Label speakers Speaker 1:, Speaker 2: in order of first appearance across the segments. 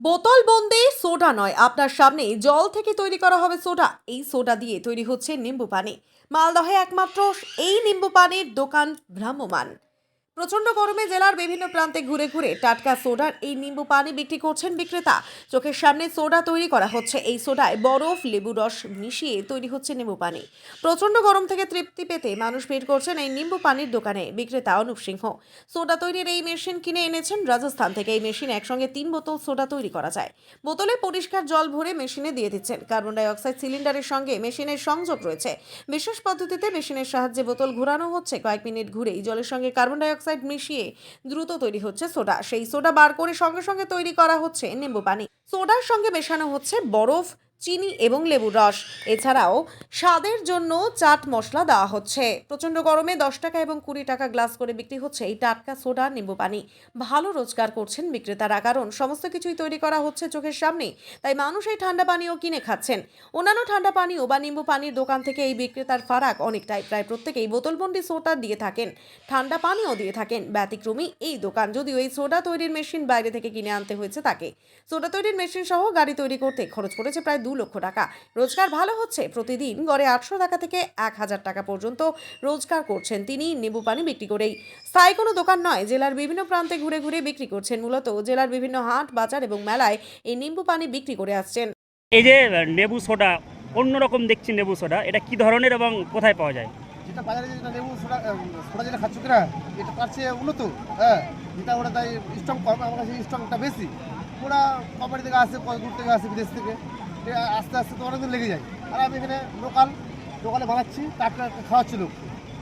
Speaker 1: বোতল বন্দি সোডা নয়, আপনার সামনেই জল থেকে তৈরি করা হবে সোডা। এই সোডা দিয়ে তৈরি হচ্ছে নিম্বু পানি। মালদহে একমাত্র এই নিম্বু পানির দোকান ভ্রাম্যমান। প্রচন্ড গরমে জেলার বিভিন্ন প্রান্তে ঘুরে ঘুরে টাটকা সোডার এই নিম্বু পানি বিক্রি করছেন বিক্রেতা। চোখের সামনে সোডা তৈরি করা হচ্ছে। এই সোডায় বরফ, লেবু রস মিশিয়ে তৈরি হচ্ছে নিম্বু পানি। প্রচন্ড গরম থেকে তৃপ্তি পেতে মানুষ ভিড় করছেন এই নিম্বু পানির দোকানে। বিক্রেতা অনুপ সিংহ সোডা তৈরির এই মেশিন কিনে এনেছেন রাজস্থান থেকে। এই মেশিনে একসঙ্গে 3 বোতল সোডা তৈরি করা যায়। বোতলে পরিষ্কার জল ভরে মেশিনে দিয়ে দিচ্ছেন। কার্বন ডাই অক্সাইড সিলিন্ডারের সঙ্গে মেশিনের সংযোগ রয়েছে। বিশেষ পদ্ধতিতে মেশিনের সাহায্যে বোতল ঘোরানো হচ্ছে। কয়েক মিনিট ঘুরেই জলের সঙ্গে কার্বন ডাই অক্সাইড মিশিয়ে দ্রুত তৈরি হচ্ছে সোডা। সেই সোডা বার করে সঙ্গে সঙ্গে তৈরি করা হচ্ছে নিম্বু পানি। সোডার সঙ্গে মেশানো হচ্ছে বরফ, চিনি এবং লেবুর রস। এছাড়াও স্বাদের জন্য চাট মশলা দেওয়া হচ্ছে। প্রচন্ড গরমে 10 টাকা এবং 20 টাকা গ্লাস করে বিক্রি হচ্ছে এই টাটকা সোডা নিম্বু পানি। ভালো রোজগার করছেন বিক্রেতারা, কারণ সমস্ত কিছুই তৈরি করা হচ্ছে চোখের সামনে। তাই মানুষ এই ঠান্ডা পানীয় কিনে খাচ্ছেন। অন্যান্য ঠান্ডা পানীয় বা নিম্বু পানির দোকান থেকে এই বিক্রেতার ফারাক অনেকটাই। প্রায় প্রত্যেকেই বোতলবন্দি সোডা দিয়ে থাকেন, ঠান্ডা পানীয় দিয়ে থাকেন। ব্যতিক্রমী এই দোকান, যদিও এই সোডা তৈরির মেশিন বাইরে থেকে কিনে আনতে হয়েছে তাকে। সোডা তৈরির মেশিন সহ গাড়ি তৈরি করতে খরচ পড়েছে প্রায় 2 লক্ষ টাকা। রোজগার ভালো হচ্ছে। প্রতিদিন গড়ে 800 টাকা থেকে 1000 টাকা পর্যন্ত রোজগার করছেন তিনি নিম্বু পানি বিক্রি করেই। স্থায়ী কোনো দোকান নয়, জেলার বিভিন্ন প্রান্তে ঘুরে ঘুরে বিক্রি করছেন। মূলত জেলার বিভিন্ন হাট, বাজার এবং মেলায় এই নিম্বু পানি বিক্রি করে আসছেন।
Speaker 2: এই যে লেবু সোডা, অন্যরকম দেখছি লেবু সোডা, এটা কি ধরনের এবং কোথায় পাওয়া যায়?
Speaker 3: যেটা বাজারে যেটা লেবু সোডা সোডা যেটা খাচ্ছ কিনা, এটা তার চেয়ে উন্নত। হ্যাঁ, যেটা ওটা তাই স্ট্রং কম, আমার কাছে স্ট্রংটা বেশি। ওরা কোম্পানি থেকে আসে, কত দূর থেকে আসে, বিদেশ থেকে। এটা আস্তে আস্তে তো অনেকদিন লেগে যায়। আর আমি এখানে লোকালে বানাচ্ছি, টাটকা খাওয়াচ্ছি লোক।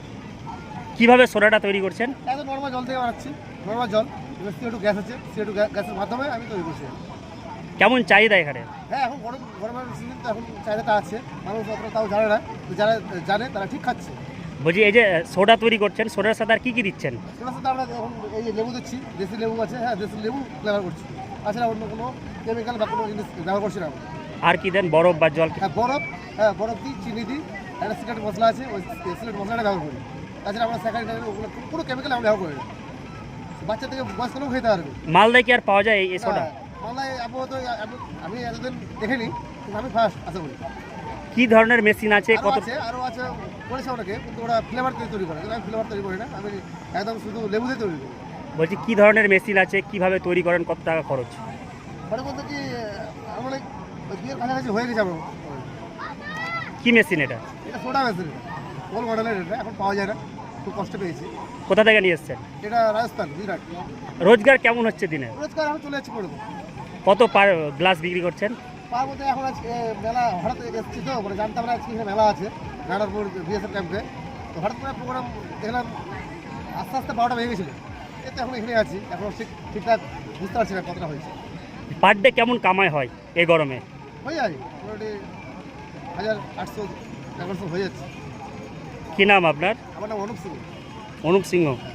Speaker 2: কিভাবে সোডাটা তৈরি করছেন?
Speaker 3: একদম নর্মাল জল থেকে বানাচ্ছি, নর্মাল জল। এবার CO2 গ্যাস আছে, CO2 গ্যাসের মাধ্যমে আমি তৈরি করছি।
Speaker 2: কেমন চাহিদা এখানে?
Speaker 3: হ্যাঁ, এখন গরমের সিজন তো এখন চাহিদাটা আছে। মানুষ অতটা তাও জানে না, তো যারা জানে তারা ঠিক খাচ্ছে।
Speaker 2: বলছি, এই যে সোডা তৈরি করছেন, সোডার সাথে আর কি কি দিচ্ছেন?
Speaker 3: সেটার সাথে আমরা এখন এই যে লেবু দিচ্ছি, দেশি লেবু আছে, হ্যাঁ দেশি লেবু ব্যবহার করছি। তাছাড়া অন্য কোনো কেমিক্যাল বা কোনো জিনিস ব্যবহার করছি না আমরা।
Speaker 2: আর কি দেন? বরফ বা জল?
Speaker 3: বরফ দিই, চিনি দিই, একটা সিক্রেট মশলা আছে, ওই সিক্রেট মশলাটা ব্যবহার করি। তাছাড়া আমরা স্যাকারিটা ওগুলো কোনো কেমিক্যাল আমরা ব্যবহার করি না। বাচ্চা থেকে বয়স্ক লোক খেতে পারবে।
Speaker 2: মালদায় কি আর পাওয়া যায় এই সোডা?
Speaker 3: মালদায় আপাতত আমি এতদিন দেখিনি, কিন্তু আমি ফার্স্ট আশা করি।
Speaker 2: কি ধরনের মেশিন আছে?
Speaker 3: আরও আছে করেছে অনেকে, কিন্তু ওরা ফ্লেভার দিয়ে তৈরি করে। আমি ফ্লেভার তৈরি করি না, আমি একদম শুধু লেবু দিয়ে তৈরি করি।
Speaker 2: বলছি, কি ধরনের মেশিন আছে, কিভাবে তৈরি করেন, কত টাকা খরচ?
Speaker 3: মানে বলতে কি, আমার বিয়ের কাছাকাছি হয়ে গেছে আমার।
Speaker 2: কি মেশিন এটা?
Speaker 3: এটা সোডা মেশিন, ওল মডেলের। এটা এখন পাওয়া যায় না, খুব কষ্ট পেয়েছি।
Speaker 2: কোথা থেকে নিয়ে এসছেন?
Speaker 3: এটা রাজস্থান, গুজরাট।
Speaker 2: রোজগার কেমন হচ্ছে দিনে?
Speaker 3: রোজগার এখন চলে যাচ্ছে করে দেবো।
Speaker 2: কত পার গ্লাস বিক্রি করছেন?
Speaker 3: তার মধ্যে এখন আজকে মেলা হঠাৎ এসেছি, তো মানে জানতাম না আজকে এখানে মেলা আছে নারায়ণপুর বিএসএফ ক্যাম্পে। তো হঠাৎ করে প্রোগ্রাম দেখলাম, আস্তে আস্তে 12টা বেজে গেছিলো। এতে এখন এখানে আছি, এখন ঠিকঠাক বুঝতে পারছি না কতটা হয়েছে।
Speaker 2: পার ডে কেমন কামাই হয় এই গরমে?
Speaker 3: হয়ে যায় মোটামুটি 1800-1100 হয়ে যাচ্ছে।
Speaker 2: কি নাম আপনার?
Speaker 3: আমার নাম অনুপ সিং।
Speaker 2: অনুপ সিংহ।